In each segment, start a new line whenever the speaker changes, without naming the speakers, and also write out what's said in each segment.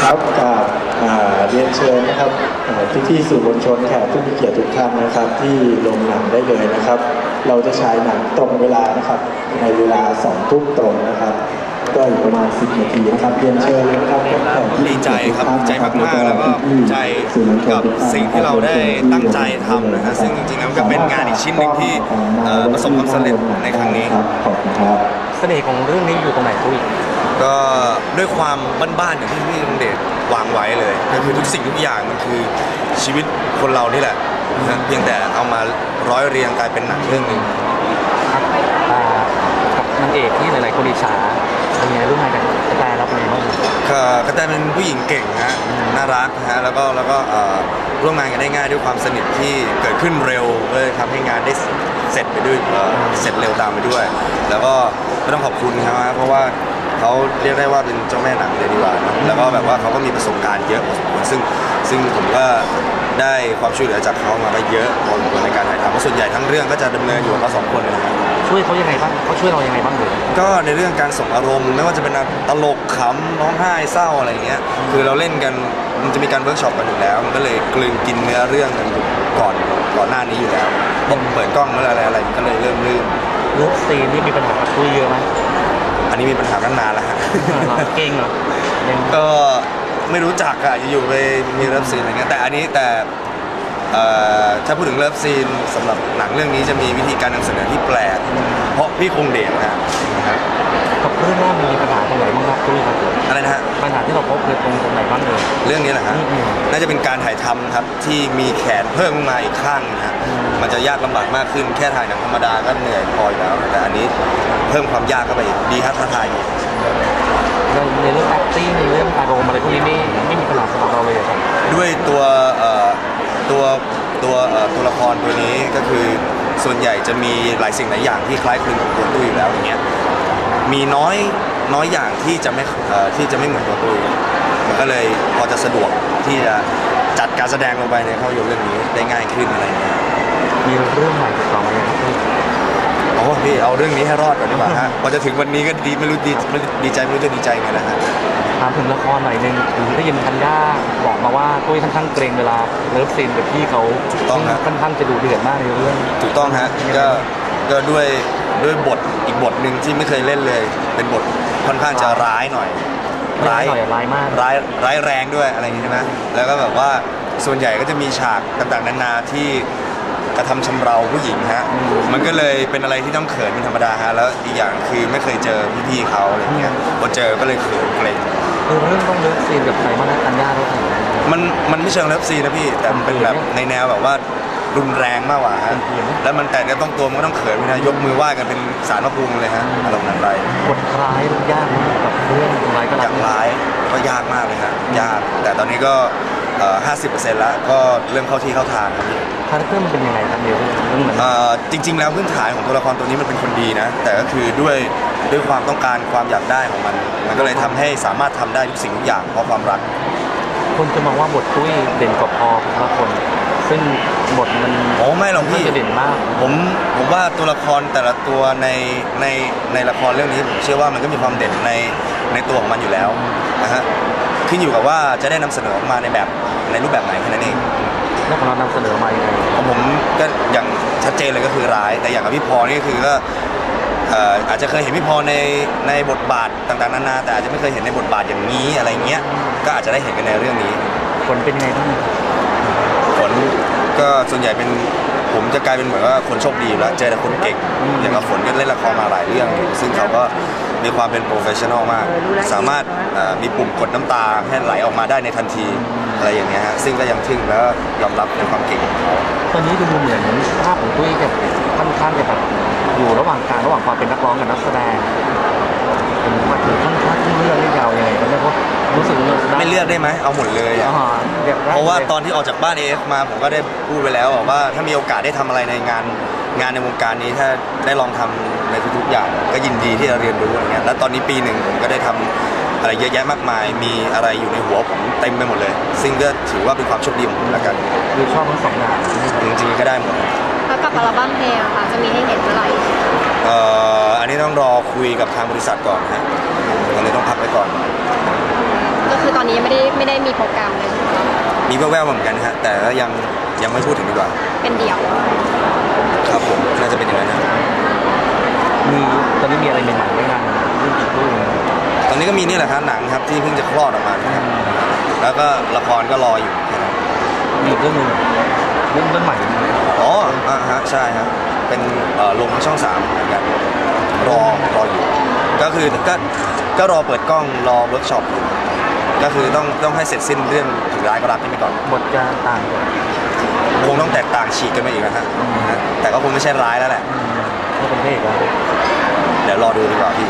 ครับกับเรียนเชิญนะครับพี่ๆสื่อมวลชนแขกผู้มีเกียรติทุกท่านนะครับที่ลงหนังได้เลยนะครับเราจะฉายหนังตรงเวลานะครับในเวลา2 ทุ่มตรงนะครับก็อีกประมาณ10 นาทีนะครับเรียนเชิญเลยนะครับ
ดีใจครับดีใจมากๆแล้วก็ภูมิใจกับสิ่งที่เราได้ตั้งใจทำนะฮะซึ่งจริงๆแล้วก็เป็นงานอีกชิ้นหนึ่งที่ประสบความสำเร็จในครั้งนี้
ขอบคุณครับ
เสน่ห์ของเรื่องนี้อยู่ตรงไหนตุ้ย
ก็ด้วยความบ้านๆอย่างที่พี่ลุงเดชวางไว้เลยก็คือทุกสิ่งทุกอย่างมันคือชีวิตคนเรานี่แหละนะเพียงแต่เอามาร้อยเรียงกลายเป็นหนังเรื่องหนึ่ง
ครับกับนางเอกที่หลายๆคนอิจฉาเป็นไงร่วมงานกันกระแตเราเป็นไงบ้าง
กระแตเป็นผู้หญิงเก่งฮะน่ารักฮะแล้วก็ร่วมงานกันได้ง่ายด้วยความสนิทที่เกิดขึ้นเร็วเลยทำให้งานได้เสร็จไปด้วยเสร็จเร็วตามไปด้วยแล้วก็ไม่ต้องขอบคุณครับเพราะว่าเขาเรียกได้ว่าเป็นเจ้าแม่หนังเลยดีกว่านะแล้วก็แบบว่าเขาก็มีประสบการณ์เยอะพอสมควรซึ่งผมก็ได้ความช่วยเหลือจากเขามาก็เยอะพอสมควรในการถ่ายทำเพราะส่วนใหญ่ทั้งเรื่องก็จะดำเนินอยู่กับเขา2 คนนะครับ
ช่วยเขายังไงบ้างเขาช่วยเรายังไงบ้างเลย
ก็ในเรื่องการส่งอารมณ์ไม่ว่าจะเป็นตลกขำร้องไห้เศร้าอะไรเงี้ยคือเราเล่นกันมันจะมีการเวิร์กช็อปกันอยู่แล้วมันก็เลยกลืนกินเนื้อเรื่องกันก่อนหน้านี้อยู่แล้วพอเปิดกล้องเมื่ออะไรก็เลยเริ่มลื่น
เลิฟซีนที่มีปัญหากับตุ้ยเยอะไหม
อันนี้มีปัญหาตั้งนานแล้วฮะ
เก่งเหรอ
ก็ไม่รู้จักอะอยู่ๆไปมีเลิฟซีนอะไรเงี้ยแต่อันนี้ถ้าพูดถึงเลิฟซีนสำหรับหนังเรื่องนี้จะมีวิธีการนำเสนอที่แปลกเพราะพี่คงเดชนะครับ
กับเรื่องแรกมีปัญหาตรงไหนบ้างครับตุ้ยครับ
อะไรนะฮะ
ปัญหาที่เราพบคือตรงไหนบ้างเลย
เรื่องนี้แหละฮะน่าจะเป็นการถ่ายทำครับที่มีแขนเพิ่มมาอีกข้างนะฮะมันจะยากลำบากมากขึ้นแค่ถ่ายหนังธรรมดาก็เหนื่อยพออยู่แล้วแต่อันนี้เพิ่มความยากเข้าไปอีกดีครับท้าทาย
ในเรื่อง acting ในเรื่องอารมณ์อะไรพวกนี้ไม่มีปัญหาสำหรับเราเลยครับ
ด้วยตัวละครตัวนี้ก็คือส่วนใหญ่จะมีหลายสิ่งหลายอย่างที่คล้ายคลึงกับตัวตุ้ยอยู่แล้วอย่างเงี้ยมีน้อยอย่างที่จะไม่เหมือนตัวตุ้ยมันก็เลยพอจะสะดวกที่จะจัดการแสดงลงไปในภาพยนตร์เรื่องนี้ได้ง่ายขึ้นอะไรเงี้ย
มีเรื่องใหม่ต่อมาเลยครับ
โอ้พี่เอาเรื่องนี้ให้รอดก่อนดีกว่าฮะพอจะถึงวันนี้ก็ไม่รู้ดีใจไม่รู้จะดีใจไงนะฮะ
ถามถึงละครหน่อยนึงได้ยินธัญญาบอกมาว่าตุ้ยค่อนข้างเกรงเวลาเลิฟซีนกับพี่เขา
ถูกต้องฮะ
ค่อนข้างจะดูเดือดมากในเรื่อง
ถูกต้องฮะก็ด้วยบทอีกบทหนึ่งที่ไม่เคยเล่นเลยเป็นบทค่อนข้างจะร้ายหน่อย
ร้ายมาก
ร้ายแรงด้วยอะไรอย่างนี้ใช่ไหมแล้วก็แบบว่าส่วนใหญ่ก็จะมีฉากต่างๆนานาที่กระทำชำเราผู้หญิงฮะมันก็เลยเป็นอะไรที่ต้องเขินเป็นธรรมดาฮะแล้วอีกอย่างคือไม่เคยเจอพี่ๆเขาอะไรเงี้ยพอเจอก็เลยเขินเกรง
เรื่องต้องเลิฟซีนกับใครบ้างนะธัญญาเราถึง
มันไม่เชิงเลิฟซีนนะพี่แต่มันเป็นแบบในแนวแบบว่ารุนแรงมากกว่าฮะแล้วมันแต่ก็ต้องตัวมันก็ต้องเขินนะยกมือไหว้กันเป็นศาลพระภูมิเลยฮะอารมณ์นั้นไป
บทร้ายยากกับเรื่องร้ายก็
ร้ายก็ยากมากเลยฮะยากแต่ตอนนี้ก็50%แล้วก็เริ่มเข้าที่เข้าทางครับพี่
คาแรคเตอร์มันเป็นยังไงครับเดี๋ยว
จริงๆแล้วพื้นฐานของตัวละครตัวนี้มันเป็นคนดีนะแต่ก็คือด้วยความต้องการความอยากได้ของมันก็เลยทำให้สามารถทำได้ทุกสิ่งทุกอย่างเพราะความรัก
คนจะมองว่าบทตุ้ยเด่นกว่าพอทุกคนซึ่งบทมัน
ไม่หรอกพี่
เด่นมาก
ผมว่าตัวละครแต่ละตัวในละครเรื่องนี้ผมเชื่อว่ามันก็มีความเด่นในตัวของมันอยู่แล้วนะฮะขึ้นอยู่กับว่าจะได้นำเสนอออกมาในรูปแบบไหนแค่นั้นเอง
แล้วของเรานำเสนอมาอย่างไร
ผมก็อย่างชัดเจนเลยก็คือร้ายแต่อย่างกับพี่พอนี่คือก็อาจจะเคยเห็นพี่พอในบทบาทต่างๆนานาแต่อาจจะไม่เคยเห็นในบทบาทอย่างนี้อะไรเงี้ยก็อาจจะได้เห็นกันในเรื่องนี้
ผลเป็นยังไงบ้าง
ผลก็ส่วนใหญ่เป็นผมจะกลายเป็นเหมือนว่าคนโชคดีแล้วเจอแต่คนเก่งอย่างกับฝนก็เล่นละครมาหลายเรื่องซึ่งเขาก็มีความเป็นโปรเฟชชั่นอลมากสามารถมีปุ่มกดน้ำตาให้ไหลออกมาได้ในทันทีอะไรอย่างเงี้ยฮะซึ่งก็ยังทึ่งแล้วยอมรับในความเก่งของเขา
ตอนนี้ดูเหมือนภาพของตุ้ยจะค่อนข้างจะแบบอยู่ระหว่างความเป็นนักร้องกับนักแสดงเป็นมาถึงค่อนข้างที่เลือกได้ยาวยังไงก็ไม่รู้รู้สึก
ไม่เลือกได้ไหมเอาหมดเลยเพราะว่าตอนที่ออกจากบ้านAFมาผมก็ได้พูดไปแล้วว่าถ้ามีโอกาสได้ทำอะไรในงานในวงการนี้ถ้าได้ลองทำในทุกๆอย่างก็ยินดีที่จะเรียนรู้อะไรเงี้ยแล้วตอนนี้ปีหนึ่งผมก็ได้ทำอะไรเยอะแยะมากมายมีอะไรอยู่ในหัวผมเต็มไปหมดเลยซึ่งก็ถือว่าเป็นความโชคดีของผมแล้วกัน
คือชอบทั้ง2 อย่าง
จริงๆก็ได้หมด
แล้วกับอัลบั้มเพลงค่ะจะมีให้เห็นเมื่อไหร่
อันนี้ต้องรอคุยกับทางบริษัทก่อนฮะตอนนี้ต้องพักไว้ก่อน
ก็คือตอนนี้ไม่ได้มีโปรแกรมเลย
มีแว่วๆเหมือนกันฮะแต่ก็ยังไม่พูดถึงดีกว่า
เป็นเดี่ยว
ครับผมน่าจะเป็นอย่างนั้นนะ
มีตอนนี้มีอะไรใหม่ๆด้วยงานรุ่นอีกรุ่น
ตอนนี้ก็มีนี่แหละครับหนังครับที่เพิ่งจะคลอดออกมานะครับแล้วก็ละครก็รออยู่แค่นั้น
มีอีกเรื่องหนึงเรื่องใหม่
อ๋อฮะใช่ครับเป็นลงช่อง3เหมือนกันรออยู่ก็คือก็รอเปิดกล้องรอเวิร์กช็อปอยู่ก็คือต้องให้เสร็จสิ้นเรื่องถึงร้ายก็รักนี่ไปก่อน
บทจะต่างกัน
คงต้องแตกต่างฉีกกันไปอีกนะฮะแต่ก็คงไม่ใช่ร้ายแล้วแหละ
ไม่เป็นเพศแล้ว
เดี๋ยวรอดูดีกว่าพี่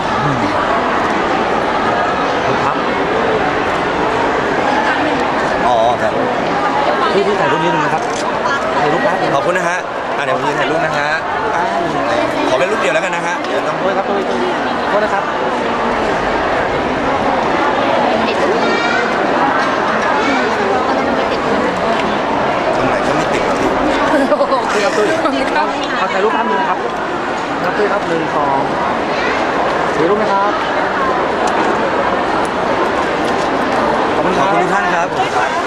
ครับ
อ๋อครับ
พี่ถ่ายรูปนิดนึงนะครับถ่ายรูปแป๊บนึง
ขอบคุณนะฮะเดี๋ยวผมยืนถ่ายรูปนะฮะขอเป็นรูปเดียวแล้วกันนะฮะเดี๋ยวต้อง
โทษครับโทษนะครับ
ติด
ตรงไหนก็ไม่ติดครับพี่
พี่ครับตุ้ยเอาถ่ายรูปแป๊บนึงนะครับครับตุ้ยครับ1 2ถ่ายรูปนะครับ ขอบคุณ
ข
ค
อบ
รับ
คุณทุกท่านครับ